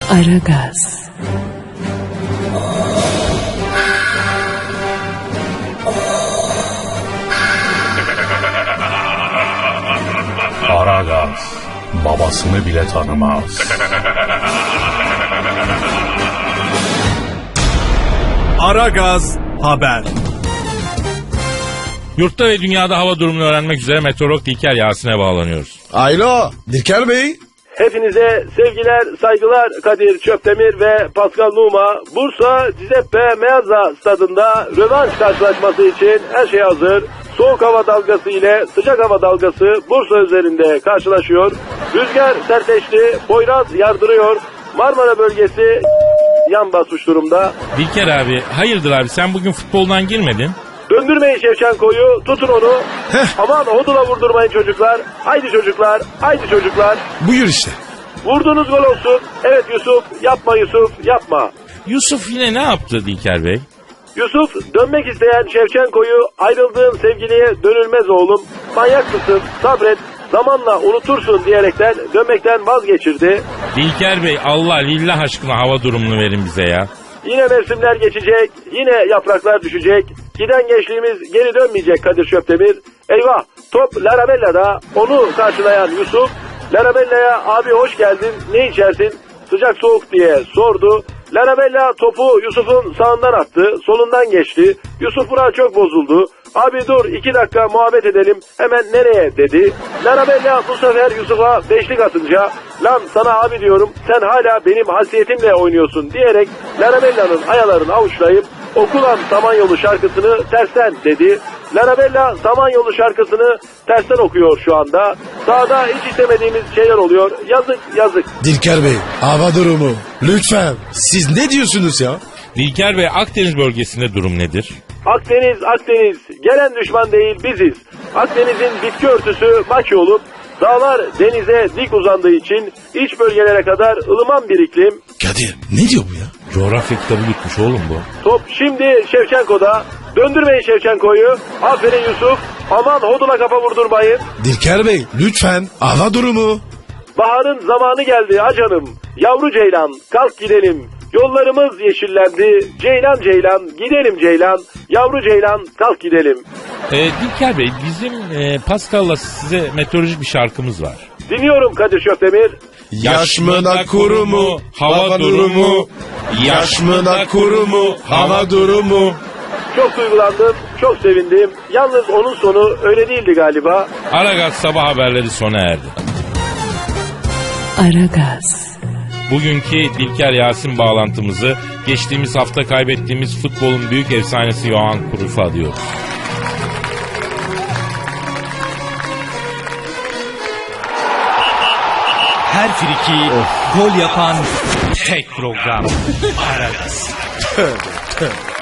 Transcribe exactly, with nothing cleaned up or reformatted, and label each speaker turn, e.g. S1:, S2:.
S1: Aragaz.
S2: Aragaz babasını bile tanımaz.
S3: Aragaz haber.
S4: Yurtta ve dünyada hava durumunu öğrenmek üzere meteorolog Dilker Yasin'e bağlanıyoruz.
S5: Alo Dilker Bey.
S6: Hepinize sevgiler, saygılar. Kadir Çöptemir ve Pascal Numa, Bursa Cizeppe Meazza stadında rövanş karşılaşması için her şey hazır. Soğuk hava dalgası ile sıcak hava dalgası Bursa üzerinde karşılaşıyor. Rüzgar sertleşti, Poyraz yardırıyor. Marmara bölgesi yan basmış durumda.
S4: Dilker abi, hayırdır abi, sen bugün futboldan girmedin?
S6: Döndürmeyin Şevçenko'yu, tutun onu. Aman hodula vurdurmayın çocuklar. Haydi çocuklar, haydi çocuklar.
S5: Buyur işte.
S6: Vurduğunuz gol olsun. Evet Yusuf, yapma Yusuf, yapma.
S4: Yusuf yine ne yaptı Dilker Bey?
S6: Yusuf, dönmek isteyen Şevçenko'yu ayrıldığın sevgiliye dönülmez oğlum. Manyak mısın, sabret, zamanla unutursun diyerekten dönmekten vazgeçirdi.
S4: Dilker Bey, Allah lillah aşkına hava durumunu verin bize ya.
S6: Yine mevsimler geçecek, yine yapraklar düşecek. Giden gençliğimiz geri dönmeyecek Kadir Çöptemir. Eyvah, top Larabella'da, onu karşılayan Yusuf, Larabella'ya abi hoş geldin, ne içersin, sıcak soğuk diye sordu. Larabella topu Yusuf'un sağından attı, solundan geçti. Yusuf buna çok bozuldu. Abi dur iki dakika muhabbet edelim, hemen nereye dedi. Larabella bu sefer Yusuf'a beşlik atınca, lan sana abi diyorum, sen hala benim hasiyetimle oynuyorsun diyerek Larabella'nın ayalarını avuçlayıp okulan Samanyolu şarkısını tersten dedi. Larabella Samanyolu şarkısını tersten okuyor şu anda. Sahada hiç istemediğimiz şeyler oluyor. Yazık yazık.
S5: Dilker Bey hava durumu. Lütfen. Siz ne diyorsunuz ya?
S4: Dilker Bey, Akdeniz bölgesinde durum nedir?
S6: Akdeniz Akdeniz gelen düşman değil biziz. Akdeniz'in bitki örtüsü maç olup dağlar denize dik uzandığı için iç bölgelere kadar ılıman bir iklim.
S5: Kadir ne diyor bu ya?
S4: Coğrafya kitabı gitmiş oğlum bu.
S6: Top şimdi Şevçenko'da. Döndürmeyin Şevçenko'yu. Aferin Yusuf. Aman hodula kafa vurdurmayın.
S5: Dilker Bey lütfen hava durumu.
S6: Baharın zamanı geldi acanım. Yavru ceylan kalk gidelim. Yollarımız yeşillendi. Ceylan ceylan gidelim ceylan. Yavru ceylan kalk gidelim.
S4: Ee, Dilker Bey, bizim e, Pascal'la size meteorolojik bir şarkımız var.
S6: Dinliyorum Kadir Şöptemir.
S5: Yaş mı da kuru mu? Hava durumu. Yaş mı da kuru mu? Hava durumu.
S6: Çok duygulandım, çok sevindim. Yalnız onun sonu öyle değildi galiba.
S4: Aragaz sabah haberleri sona erdi.
S1: Aragaz.
S4: Bugünkü Dilker Yasin bağlantımızı geçtiğimiz hafta kaybettiğimiz futbolun büyük efsanesi Johan Cruyff'a adıyoruz.
S3: Her friki gol yapan tek program. Aragaz.
S5: Tövbe tövbe.